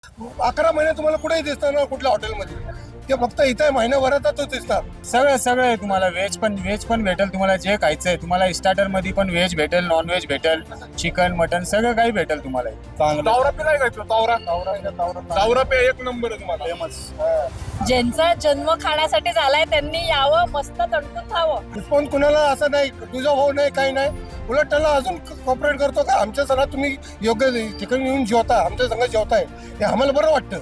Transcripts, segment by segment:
11 महिने तुम्हाला कुठेही दिसणार ना कुठल्या हॉटेलमध्ये. ते फक्त इथे महिन्याभरातच दिसतात. सगळं आहे तुम्हाला. व्हेज पण भेटेल तुम्हाला. जे खायचं आहे तुम्हाला. स्टार्टर मध्ये पण व्हेज भेटेल, नॉन व्हेज भेटेल, चिकन मटन सगळं काही भेटेल तुम्हाला. तावरा पे नाही खायचं. तावरा पे एक नंबर आहे तुम्हाला. फेमस. ज्यांचा जन्म खाण्यासाठी झालाय त्यांनी यावं, मस्त तणतून खावं. रिस्पॉन्स कुणाला असं नाही तुझा भाऊ नाही काही नाही, उलट त्याला अजून कॉपरेट करतो का आमच्या सणात तुम्ही योग्य ठिकाणी येऊन जेवता, आमच्या संघ जेवताय, हे आम्हाला बरं वाटतं.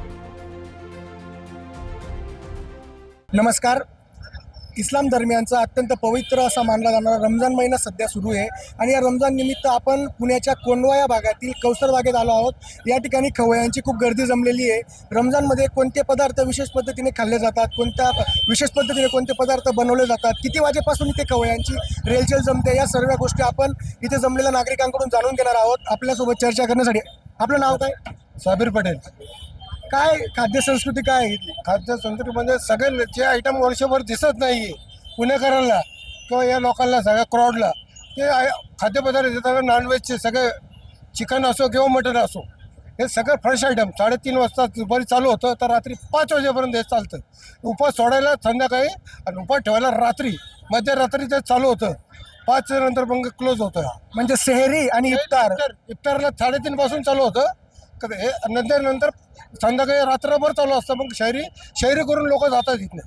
नमस्कार. इस्लाम धर्मियांचा अत्यंत पवित्र असा मानला जाणारा रमजान महिना सध्या सुरू आहे आणि या रमजान निमित्त आपण पुण्याच्या कोंढवा या भागातील कौसर बागेत आलो आहोत. या ठिकाणी खवय्यांची खूप गर्दी जमलेली आहे. रमजानमध्ये कोणते पदार्थ विशेष पद्धतीने खाल्ले जातात, कोणत्या विशेष पद्धतीने कोणते पदार्थ बनवले जातात, किती वाजेपासून इथे खवय्यांची रेलचेल जमते, या सर्व गोष्टी आपण इथे जमलेल्या नागरिकांकडून जाणून घेणार आहोत. आपल्यासोबत चर्चा करण्यासाठी आपलं नाव काय? साबीर पटेल. काय खाद्य संस्कृती काय आहे इथली? खाद्य संस्कृतीमध्ये सगळे जे आयटम वर्षभर दिसत नाहीये पुणेकरांना किंवा या लोकांना सगळ्या क्राऊडला, ते खाद्यपदार्थ देतात. नॉनव्हेजचे सगळे चिकन असो किंवा मटन असो, हे सगळं फ्रेश आयटम 3:30 वाजता दुपारी चालू होतं तर रात्री 5 वाजेपर्यंत हे चालतं. उपवास सोडायला संध्याकाळी आणि उपवास ठेवायला रात्री, मध्यरात्री ते चालू होतं. 5 नंतर मग क्लोज होतं. म्हणजे सेहरी आणि इफ्तार. इफ्तारला 3:30 पासून चालू होतं. हे नंतर संध्याकाळी रात्रभर चालू असतं. मग शहरी करून लोक जातात इथनं.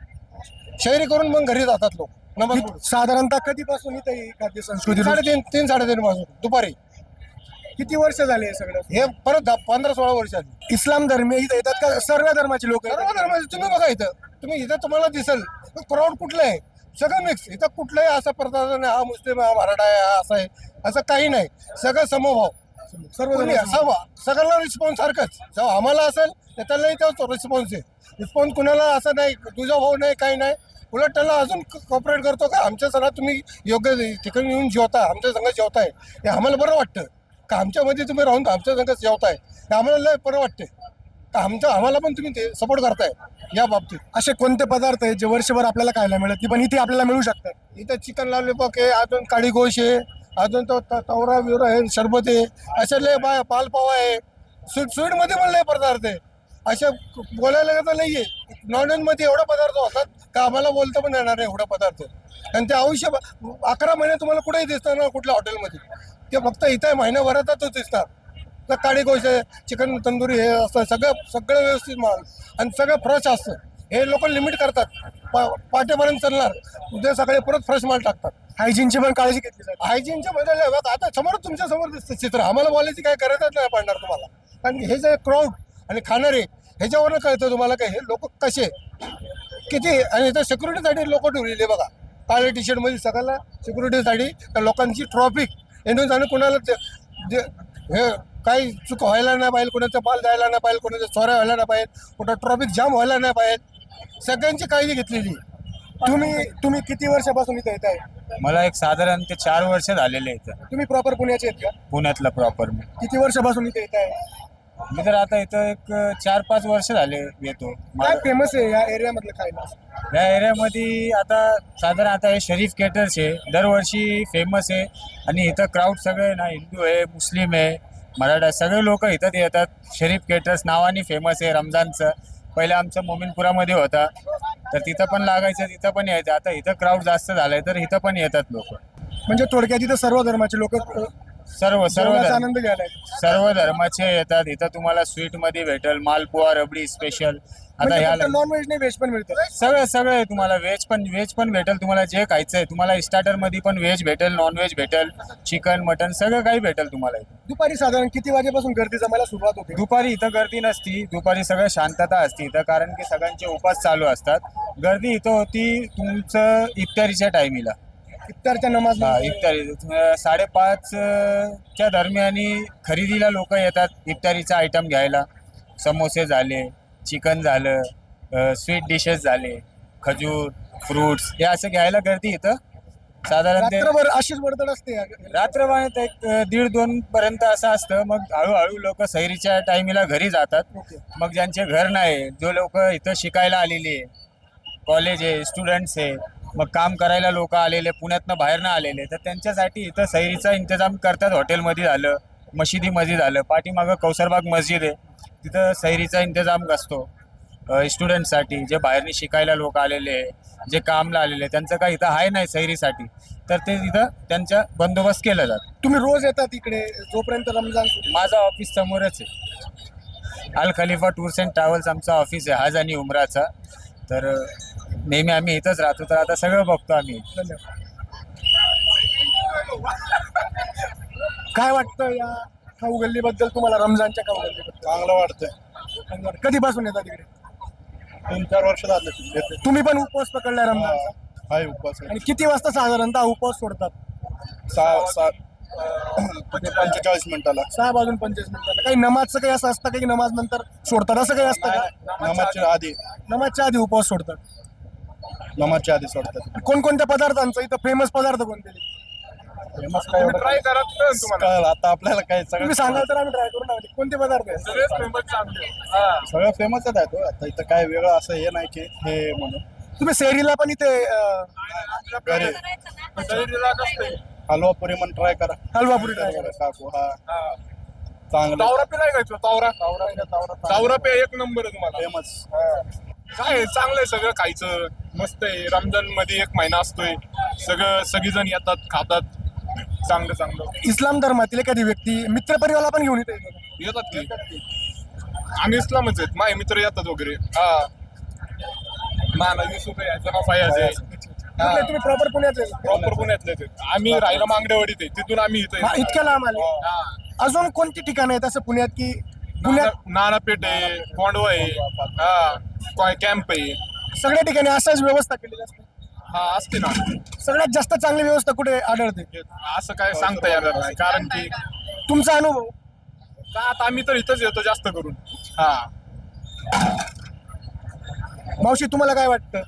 शहरी करून मग घरी जातात लोक. नमस्कार. साधारणतः कधीपासून इथे ही खाद्य संस्कृती? 3:30 पासून दुपारी. किती वर्ष झाले हे सगळं? हे परत 15-16 वर्ष आली. इस्लाम धर्मीय इथे येतात का? सर्व धर्माचे लोक सर्व धर्माचे तुम्ही बघा इथं तुम्हाला दिसेल क्राऊड कुठलं आहे, सगळं मिक्स. इथं कुठलंही असा प्रकार नाही हा मुस्लिम आहे, हा मराठा आहे, हा असं आहे, असं काही नाही. सगळं समभाव. सर्व सगळ्यांना रिस्पॉन्स सारखंच. जेव्हा आम्हाला असेल तर त्यालाही तेच रिस्पॉन्स आहे. रिस्पॉन्स कुणाला असं नाही तुझा भाऊ नाही काही नाही, उलट त्याला अजून कॉपरेट करतो का आमच्या सणात तुम्ही योग्य ठिकाणी येऊन जेवता, आमच्या संघ जेवताय, हे आम्हाला बरं वाटतं. का आमच्यामध्ये तुम्ही राहून आमच्या संघ जेवताय, हे आम्हाला लय बरं वाटते. का आम्हाला पण तुम्ही ते सपोर्ट करताय या बाबतीत. असे कोणते पदार्थ आहेत जे वर्षभर आपल्याला खायला मिळत नाही पण इथे आपल्याला मिळू शकतात? इथं चिकन लॉलीपॉप आहे, अजून काळी गोश आहे, अजून तो तवरा बिवरा आहे, शरबत आहे, असे लय पालपावा आहे. स्वीटमध्ये पण लय पदार्थ आहे. असे बोलायला तर नाही आहे. नॉनव्हेजमध्ये एवढे पदार्थ होतात का आम्हाला बोलता पण येणार नाही एवढा पदार्थ. आणि ते 11 महिने तुम्हाला कुठेही दिसणार ना कुठल्या हॉटेलमध्ये. ते फक्त इथे महिन्याभरातच दिसतात. तर काळी गोश आहे, चिकन तंदुरी हे असतं, सगळं व्यवस्थित माल आणि सगळं फ्रेश असतं. हे लोक लिमिट करतात. पाटेपर्यंत चालणार, उद्या सकाळी परत फ्रेश माल टाकतात. हायजीनची पण काळजी घेतली जाते. हायजीनचे बदल आहे बघा. आता तुमच्या समोर दिसतं चित्र. आम्हाला बोलायची काय गरजच नाही पडणार तुम्हाला. कारण हे जे क्राऊड आणि खाणारे ह्याच्यावरनं कळतं तुम्हाला काय हे लोक कसे किती. आणि इथं सिक्युरिटीसाठी लोक ठेवलेले बघा. काळ्या टी शर्टमध्ये सगळ्याला सिक्युरिटीसाठी. त्या लोकांची ट्रॉफिक येऊन जाणं कुणाला हे काही चूक व्हायला नाही पाहिजे, कोणाचं पाल जायला नाही पाहिजे, कोणाच्या चोऱ्या व्हायला नाही पाहिजे, कुठं ट्रॉफिक जाम व्हायला नाही पाहिजे, सगळ्यांची काळजी घेतलेली. तुम्ही किती वर्षापासून इथे येत आहे? मला एक साधारण ते 4 वर्ष झालेले इथं. तुम्ही प्रॉपर पुण्याचे आहेत का? पुण्यातला प्रॉपर मी. किती वर्षापासून इथे येत आहे? मी तर आता इथं एक 4-5 वर्ष झाले येतो. काय फेमस आहे या एरियामधलं खायला? या एरियामध्ये आता हे शरीफ केटर्स आहे, दरवर्षी फेमस आहे. आणि इथं क्राऊड सगळे ना, हिंदू आहे, मुस्लिम आहे, मराठा, सगळे लोक इथं येतात. शरीफ केटर्स नावाने फेमस आहे रमजानचं. पहिलं आमचं मोमीनपुरामध्ये होता तर तिथं पण लागायचं, तिथं पण यायचं. आता इथं क्राऊड जास्त झालाय तर इथं पण येतात लोक. म्हणजे थोडक्यात इथं सर्व धर्माचे लोक सर्व आनंद घ्यायला आहेत. सर्व धर्माचे येतात. इथं तुम्हाला स्वीट मध्ये भेटेल मालपुआ, रबडी स्पेशल. आता ह्या नॉन व्हेज नाही व्हेज पण मिळतं. सगळं आहे तुम्हाला. व्हेज पण भेटेल तुम्हाला. जे खायचं आहे तुम्हाला. स्टार्टर मध्ये पण व्हेज भेटेल, नॉन व्हेज भेटेल, चिकन मटन सगळं काही भेटेल तुम्हाला. दुपारी साधारण किती वाजेपासून गर्दी जमायला सुरुवात होते? दुपारी इथं गर्दी नसती. दुपारी सगळं शांतता असते इथं, कारण की सगळ्यांचे उपास चालू असतात. गर्दी इथं होती तुमचं इफ्तारीच्या टायमिला. इफ्तारच्या नमाज. इफ्तारी 5:30 च्या दरम्यानी खरेदीला लोक येतात. इफ्तारीचा आयटम घ्यायला. समोसे झाले, चिकन झालं, स्वीट डिशेस झाले, खजूर, फ्रुट्स हे असं घ्यायला गर्दी इथं साधारण रात्रभर अशीच वर्दळ असते. रात्रभर एक 1:30-2 पर्यंत असं असतं. मग हळूहळू लोक सैरीच्या टायमीला घरी जातात. मग ज्यांचे घर नाही, जो लोक इथं शिकायला आलेले आहे, कॉलेज आहे, स्टुडंट्स आहे, मग काम करायला लोक आलेले, पुण्यातनं बाहेरनं आलेले, तर त्यांच्यासाठी इथं सैरीचा इंतजाम करतात. हॉटेलमध्ये झालं, मशिदीमध्ये झालं. पाठीमागं कौसरबाग मस्जिद आहे, तिथं सैरीचा इंतजाम असतो स्टुडंटसाठी, जे बाहेरनी शिकायला लोक आलेले, जे कामला आलेले, त्यांचं काही इथं आहे नाही सैरीसाठी, तर ते तिथं त्यांचा बंदोबस्त केला जातो. तुम्ही रोज येतात इकडे जोपर्यंत रमजान माझं ऑफिस समोरच आहे. Al Khalifa tours and travels आमचा ऑफिस आहे, हज आणि उमराचा. तर नेहमी आम्ही इथंच राहतो, तर आता सगळं बघतो आम्ही. धन्यवाद. काय वाटतं या खाऊ गल्लीबद्दल तुम्हाला, रमजानच्या खाऊ गल्लीबद्दल? चांगलं वाटतंय. कधीपासून येतात इकडे? 3-4 वर्ष झाले तुम्ही पण उपवास पकडलाय रमजानचा? हाय उपवास आणि किती वाजता साधारणतः उपवास सोडतात? 45 मिनिटाला. 6:25 काही नमाजचं काही असं असतं काही नमाज नंतर सोडतात असं काही असतं का? नमाजच्या आधी उपवास सोडतात. नमाजच्या आधी सोडतात. कोणकोणत्या पदार्थांचं इथं फेमस पदार्थ कोणते? ट्राय करा तुम्हाला आता आपल्याला काय तुम्ही सांगाल तर आम्ही ट्राय करून आहोत. कोणते पदार्थ आहेत? सगळं फेमसच आहे तो. आता इथं काय वेगळं असं हे नाही की हे म्हणून. तुम्ही सेरीला पण इथे घरी हलवा पुरी म्हणून ट्राय करा. हलवापुरी ट्राय करा. काकू हा चांगलं तावरा पे नाही खायचं. तावरा पे एक नंबर आहे तुम्हाला. फेमस. काय आहे, चांगलं आहे सगळं खायचं. मस्त आहे. रमजान मध्ये 1 महिना असतोय. सगळीजण येतात, खातात. चांगलं इस्लाम धर्मातील एखादी व्यक्ती मित्रपरिवाराला पण घेऊन येते? येतात की. आम्ही इस्लामच आहेत. माझे मित्र येतात वगैरे. हा माना युसुफ आहे, जना फयाज आहे. तुम्ही प्रॉपर पुण्यातले? प्रॉपर पुण्यातले आहेत. आम्ही राहिला मांगडेवाडीत आहे, तिथून आम्ही इथे हा, इतक्या लांब आले. अजून कोणती ठिकाणं आहेत असं पुण्यात की नानापेठ आहे, कोंडवा आहे, हा कॅम्प आहे. सगळ्या ठिकाणी असाच व्यवस्था केलेली असते? हा असते ना. सगळ्यात जास्त चांगली व्यवस्था कुठे आढळते? असं काय सांगता येणार नाही, कारण की तुमचा अनुभव? का आता आम्ही तर इथंच येतो जास्त करून. हा मावशी तुम्हाला काय वाटतं?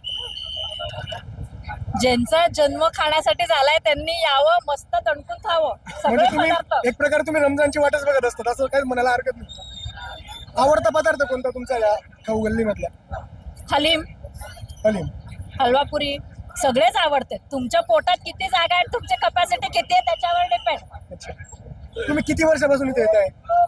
ज्यांचा जन्म खाण्यासाठी झालाय त्यांनी यावं, मस्त तणकून खावं सगळे म्हणजे तुम्ही पदार्थ. एक प्रकारे तुम्ही रमजानची वाटच बघत असतात असं काही म्हणायला हरकत नाही. आवडता पदार्थ कोणता तुमचा या खाऊ गल्लीमधला? हलीम, हलीम. हलवापुरी सगळेच आवडते. तुमच्या पोटात किती जागा आहे, तुमची कपॅसिटी किती आहे त्याच्यावर डिपेंड. अच्छा. तुम्ही किती वर्षापासून इथे येत आहे?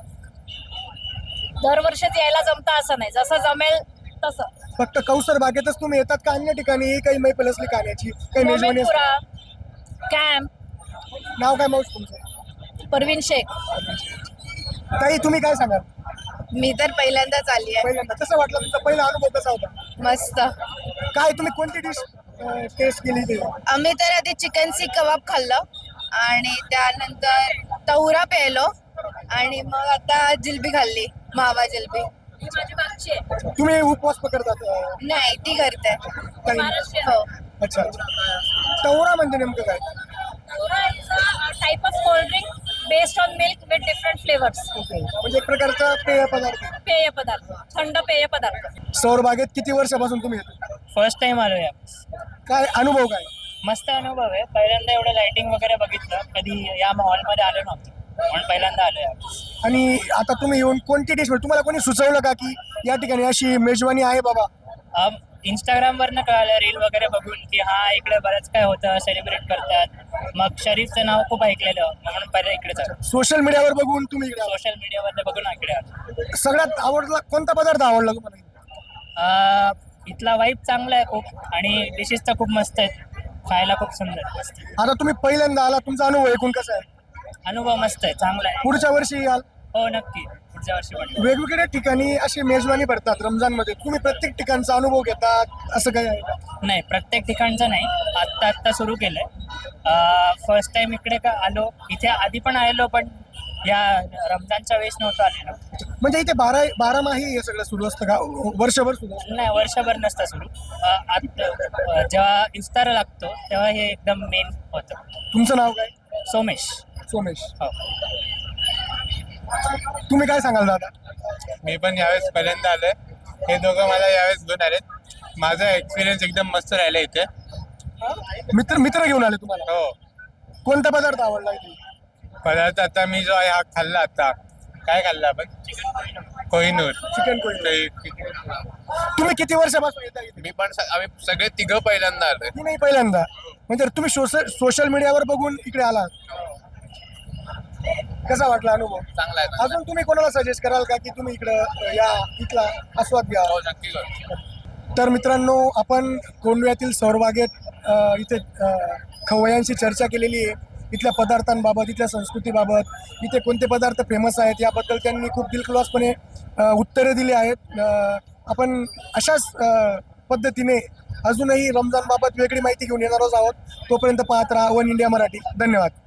दरवर्षीच यायला जमतं असं नाही, जसं जमेल तसं. फक्त कौसर बागेतच तुम्ही येतात का अन्य ठिकाणी काही मैफल असली खाण्याची काही मेजवानी असते? मोमीनपुरा, कॅम्प, नाव काय मावशी तुमचं? परवीन शेख. ताई तुम्ही काय सांगाल? मी तर पहिल्यांदाच आली आहे. पहिल्यांदा कसं वाटलं? तुमचा पहिला अनुभव कसा होता? मस्त. काय तुम्ही कोणती डिश टेस्ट केली ते? आम्ही तर आधी चिकन सीख कबाब खाल्लं आणि त्यानंतर तहुरा प्यायलो आणि मग आता जिलबी खाल्ली, मावा जिलबी. ही माझी मागची आहे. तुम्ही उपवास पकडतात? नाही, ती करते. काही? महाराष्ट्रीयन. हो. अच्छा. तवरा म्हणजे नेमकं काय? Tora is a type of cold drink based on milk with different flavors. Okay. म्हणजे एक प्रकारचा पेय पदार्थ. पेय पदार्थ, थंड पेय पदार्थ. सौर बागेत किती वर्षापासून तुम्ही येतो? फर्स्ट टाइम आलो या. काय अनुभव काय? मस्त अनुभव आहे. पहिल्यांदा एवढं लाइटिंग वगैरे बघितलं, कधी या हॉलमध्ये आलो नव्हतं, म्हणून पहिल्यांदा आलो या. आणि आता तुम्ही येऊन कोणती डिश तुम्हाला कोणी सुचवलं का की या ठिकाणी अशी मेजवानी आहे बाबा? इंस्टाग्रामवरनं कळालं, रील वगैरे बघून की हा इकडे बरंच काय होतं, सेलिब्रेट करतात. मग शरीफचं नाव खूप ऐकलेलं, म्हणून पहिले इकडेच आलो. सोशल मीडियावर बघून तुम्ही इकडे आला. सोशल मीडियावर बघून इकडे आलो. सगळ्यात आवडला कोणता पदार्थ आवडला तुम्हाला? इथला वाईब चांगला आहे खूप आणि डिशेस तर खूप मस्त आहेत, खायला खूप सुंदर आहे. आता तुम्ही पहिल्यांदा आला, तुमचा अनुभव ऐकून कसा आहे? अनुभव मस्त आहे, चांगला आहे. पुढच्या वर्षी याल? हो नक्की, पुढच्या वर्षी पण. वेगवेगळ्या ठिकाणी अशी मेजवानी भरतात रमजानमध्ये, तुम्ही प्रत्येक ठिकाणचा अनुभव घेतात असं काही आहे का? नाही, प्रत्येक ठिकाणचं नाही, आत्ता सुरू केलंय. फर्स्ट टाइम इकडे का आलो, इथे आधी पण आलेलो पण या रमजानच्या वेळेस नव्हतं आलेलो. म्हणजे इथे बारामाही हे सगळं सुरू असतं का? वर्षभर सुरू असतं? नाही, वर्षभर नसतं सुरू. जेव्हा इफ्तार लागतो तेव्हा हे एकदम मेन होतं. तुमचं नाव काय? सोमेश. सोमेश. हो. तुम्ही काय सांगाल दादा? मी पण यावेळेस पहिल्यांदा आलोय. हे दोघं मला यावेळेस घेऊन आलेत. माझा एक्सपिरियन्स एकदम मस्त राहिला इथे. मित्र घेऊन आले तुम्हाला? हो. कोणता पदार्थ आवडला इथे? पदार्थ आता मी जो आहे हा खाल्ला. आता काय खाल्ला आपण? कोहिनूर चिकन कोळी. तुम्ही किती वर्षापासून येता इथे? मी पण आम्ही सगळे तिघं पहिल्यांदा आलोय. मी नाही पहिल्यांदा. म्हणजे तुम्ही सोशल मीडियावर बघून इकडे आलात? कसा वाटला अनुभव? चांगला आहे अजून तुम्ही कोणाला सजेस्ट कराल का की तुम्ही इकडं या इथला आस्वाद घ्या? नक्की तर मित्रांनो, आपण कोंडव्यातील सौरबागेत इथे खवय्यांशी चर्चा केलेली आहे. इथल्या पदार्थांबाबत, इथल्या संस्कृतीबाबत, इथे कोणते पदार्थ फेमस आहेत याबद्दल त्यांनी खूप दिलखुलासपणे उत्तरे दिली आहेत. आपण अशाच पद्धतीने अजूनही रमजानबाबत वेगळी माहिती घेऊन येणारच आहोत. तोपर्यंत पाहत राहा वन इंडिया मराठी. धन्यवाद.